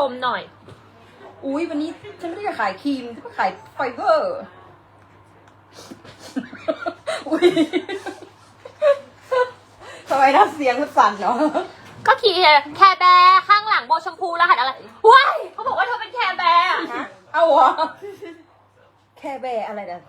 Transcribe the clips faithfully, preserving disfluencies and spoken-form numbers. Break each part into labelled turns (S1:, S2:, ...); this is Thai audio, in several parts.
S1: มหน่อย
S2: อุ้ยวันนี้ฉันไม่ได้จะขายครีมฉันก็ขายไฟเบอร์ อุ้ยทำไมน้ำเสียงมันสั่นเนาะ
S1: ก็ขี่แคร์แบร์ข้างหลังโบชมพูรหัสอะไรว้ายเขาบอกว่าเธอเป็นแคร์แบร์
S2: ฮะเอาเหรอแค่แบร์อะไรนะ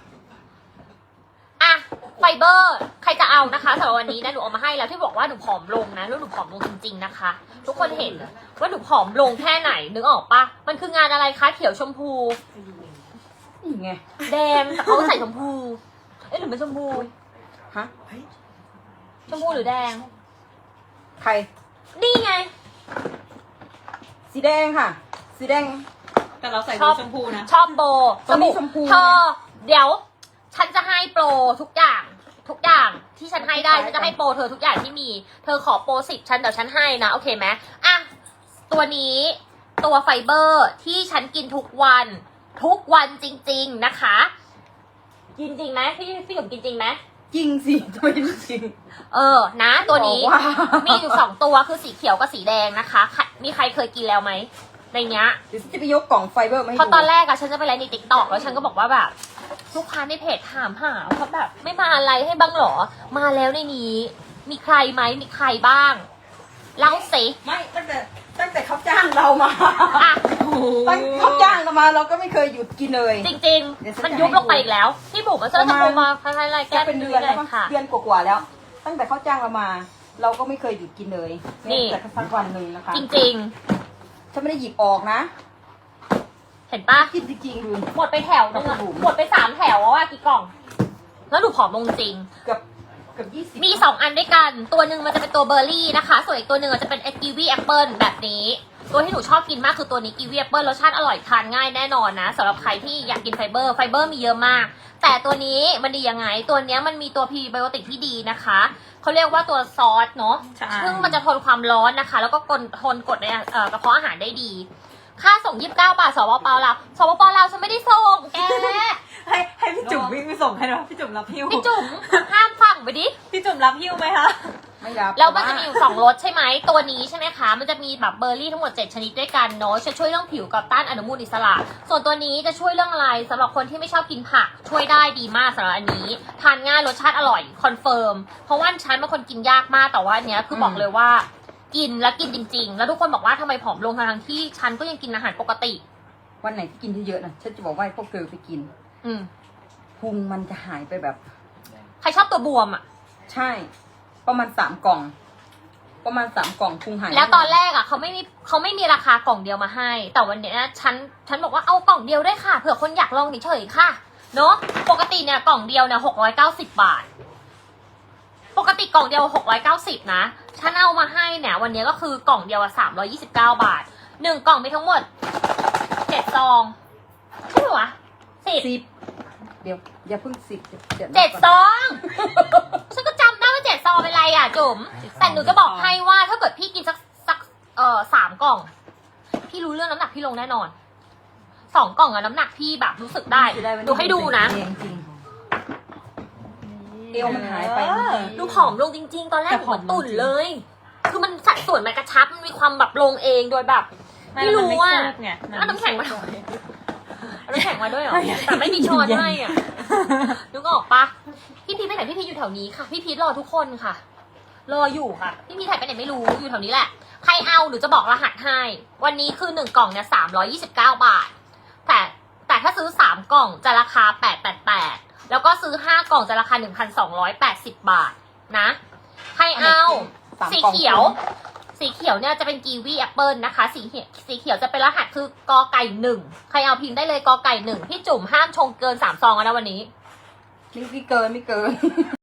S1: อะไฟเบอร์ใครจะเอานะคะสำหรับวันนี้นะหนูเอามาให้แล้วที่บอกว่าหนูผอมลงนะแล้วหนูผอมลงจริงๆนะคะ ทุกคนเห็นว่าหนูผอมลงแค่ไหนนึกออกปะมันคืองานอะไรคะเขียวชมพู
S2: นี่ไง
S1: แดงแต่เขาใส่ชมพู เอ๊ะหรือไม่ชมพู
S2: ฮะ
S1: ชมพูหรือแดง
S2: ใคร
S1: นี่ไง
S2: สีแดงค่ะ สีแดง
S3: แต่เราใส่
S1: ชอบ
S3: ชมพูนะ
S1: ชอบโบ
S2: ตัวนี้ชมพู
S1: เธอเดี๋ยว ฉันจะให้โปรทุกอย่าง ทุกอย่างที่ฉันให้ได้ฉันจะให้โปรเธอทุกอย่างที่มี เธอขอโปรสิบฉันเดี๋ยวฉันให้นะโอเคไหมอ่ะตัวนี้ตัวไฟเบอร์ที่ฉันกินทุกวัน ทุกวันจริง ๆนะคะ กินจริงไหมพี่พี่ผมกินจริงไหม
S2: จริงสิทำไมไม่จริง
S1: เออนะตัวนี้
S2: บอกว่า
S1: มีอยู่สองตัวคือสีเขียวกับสีแดงนะคะใครมีใครเคยกินแล้วไหมในเนี้ย
S2: เดี๋ยวฉันจะไปยกกล่องไฟเบอร์มาให้
S1: เพราะ
S2: ดู
S1: ตอนแรกอะฉันจะไปไลฟ์ในติ๊กต็อกแล้วฉันก็บอกว่าแบบลูกค้าในเพจถามหาเขาแบบไม่มาอะไรให้บ้างหรอ มาแล้วในนี้ มีใครไหมมีใครบ้างเล่าสิ
S2: ไม่ตั้งแต่ตั้งแต่เขาจ้างเรามา
S1: อ่ะ
S2: ตั้งเขาจ้างเรามาเราก็ไม่เคยหยุดกินเลย
S1: จริง
S2: เดี๋ยวฉั
S1: ๆ
S2: น
S1: มัน
S2: จะ
S1: ยุบ
S2: ให้
S1: ลงไปอีกแล้วพี่บุ๋มมาเจอจะโทรมาคล้ายๆอะไรแก้
S2: จะเป็นเดือนแล้ว
S1: เล
S2: มั้
S1: ย
S2: ง
S1: ค่ะ
S2: เดือนกว่าๆแล้ว ตั้งแต่เขาจ้างเรามา เราก็ไม่เคยหยุดกินเลย
S1: นี่
S2: แม้แต่สักวันหนึ่งนะคะ
S1: จริง
S2: ฉันไม่ได้หยิบออกนะ
S1: ๆ เห็นปะ
S2: กินจริงๆดู
S1: หมดไปแถวนึงอะ
S2: ครับผม
S1: หมดไปสามแถวอะกี่กล่อง แล้วหนูผอมลงจริง
S2: เกือบเกือบยี่สิบ
S1: มีสองอันด้วยกัน ตัวหนึ่งมันจะเป็นตัวเบอร์รี่นะคะ ส่วนอีกตัวหนึ่งจะเป็นกีวีแอปเปิลแบบนี้ ตัวที่หนูชอบกินมากคือตัวนี้กีวีแอปเปิลรสชาติอร่อยทานง่ายแน่นอนนะสำหรับใครที่อยากกินไฟเบอร์ ไฟเบอร์มีเยอะมาก แต่ตัวนี้มันดียังไง ตัวเนี้ยมันมีตัวพรีไบโอติกที่ดีนะคะ เขาเรียกว่าตัวซอสเนาะ
S3: ใช่
S1: ซึ่งมันจะทนความร้อนนะคะ แล้วก็กดทนกดในเอ่อกระเพาะอาหารได้ดี ค่าส่งยี่สิบเก้าบาทสปปลาวสปปลาวฉันไม่ได้ส่งแก
S3: ให้ให้พี่จุ๋มวิ่งไปส่งให้หน่อยพี่จุ๋มรับหิ้ว
S1: พี่จุ๋มห้ามฟังไปดิ
S3: พี่จุ๋มรับหิ้วไหมคะ
S2: ไม่รับ
S1: แล้วมันจะมีอยู่สองรสใช่ไหมตัวนี้ใช่ไหมคะมันจะมีแบบเบอร์รี่ทั้งหมดเจ็ดชนิดด้วยกันเนาะจะช่วยเรื่องผิวกับต้านอนุมูลอิสระ ส่วนตัวนี้จะช่วยเรื่องอะไรสำหรับคนที่ไม่ชอบกินผักช่วยได้ดีมากสำหรับอันนี้ทานง่ายรสชาติอร่อยคอนเฟิร์มเพราะว่าฉันเป็นคนกินยากมากแต่ว่าอันเนี้ยคือบอกเลยว่า กินแล้วกินจริง ๆ แล้วทุกคนบอกว่าทำไมผอมลงทั้งๆที่ฉันก็ยังกินอาหารปกติ
S2: วันไหนที่กินเยอะๆนะฉันจะบอกว่าให้พวกเธอไปกิน
S1: อืม
S2: พุงมันจะหายไปแบบ
S1: ใครชอบตัวบวมอ่ะ
S2: ใช่ ประมาณสามกล่อง ประมาณสามกล่องพุงหาย
S1: แล้วตอนแรกอ่ะเขาไม่มีเขาไม่มีราคากล่องเดียวมาให้ แต่วันเนี้ยฉันฉันบอกว่าเอากล่องเดียวได้วยค่ะเผื่อคนอยากลองเฉยๆค่ะเนาะปกติเนี่ยกล่องเดียวเนี่ยหกร้อยเก้าสิบบาท ปกติกล่องเดียวหกร้อยเก้าสิบนะฉันเอามาให้เนี่ยวันนี้ก็คือกล่องเดียวอะสามร้อยยี่สิบเก้าบาทหนึ่งกล่องมีทั้งหมดเจ็ดซองใช่ไหมวะสิบ
S2: สิบเดี๋ยวอย่าเพิ่งสิบยว
S1: เจ็ด
S2: นับ
S1: ซ
S2: ก่อน
S1: องฉันก็จำได้ว่าเจ็ดซองเป็นไรอ่ะจุ๋มแต่หนูจะบอกให้ว่าถ้าเกิดพี่กินสักสักเอ่อสามกล่อง พี่รู้เรื่องน้ำหนักพี่ลงแน่นอนสองกล่องอะน้ำหนักพี่แบบรู้สึกได้
S2: จะวันนี้
S1: ดูให้ดูนะ
S2: จริงๆเอวมันหายไป
S3: เออ
S1: ดูผอมลงจริง ๆ ตอนแรกเหมือนตุ่นเลย คือมันสัดส่วนมันกระชับมันมีความแบบลงเองโดยแบบ ไม่รู้ว่า
S3: ไง
S1: เอาน้ำแข็งมาเอาน้ำแข็งมาด้วยเหรอแต่ไม่มีช้อนให้อ่ะนึกออกปะพี่พีทไปไหนพี่พีทอยู่แถวนี้ค่ะ พี่พีทรอทุกคนค่ะ รออยู่ค่ะ พี่พีทถ่ายไปไหนไม่รู้อยู่แถวนี้แหละ ใครเอาหรือจะบอกรหัสให้ วันนี้คือหนึ่งกล่องเนี่ยสามร้อยยี่สิบเก้าบาท แต่แต่ถ้าซื้อสามกล่องจะราคาแปดแปดแปดแล้วก็ซื้อห้ากล่องจะราคาหนึ่งพันสองร้อยแปดสิบบาทนะใครเอา
S2: สาม
S1: สี
S2: กล่อง
S1: เขียว สีเขียวเนี่ยจะเป็นกีวีแอปเปิลนะคะ สีเขียวสีเขียวจะเป็นรหัสคือกอไก่หนึ่งใครเอาพิมพ์ได้เลยกอไก่หนึ่งพี่จุ่มห้ามชงเกินสามซองแล้วนะวันนี้
S2: ไม่ไม่เกินไม่เกิน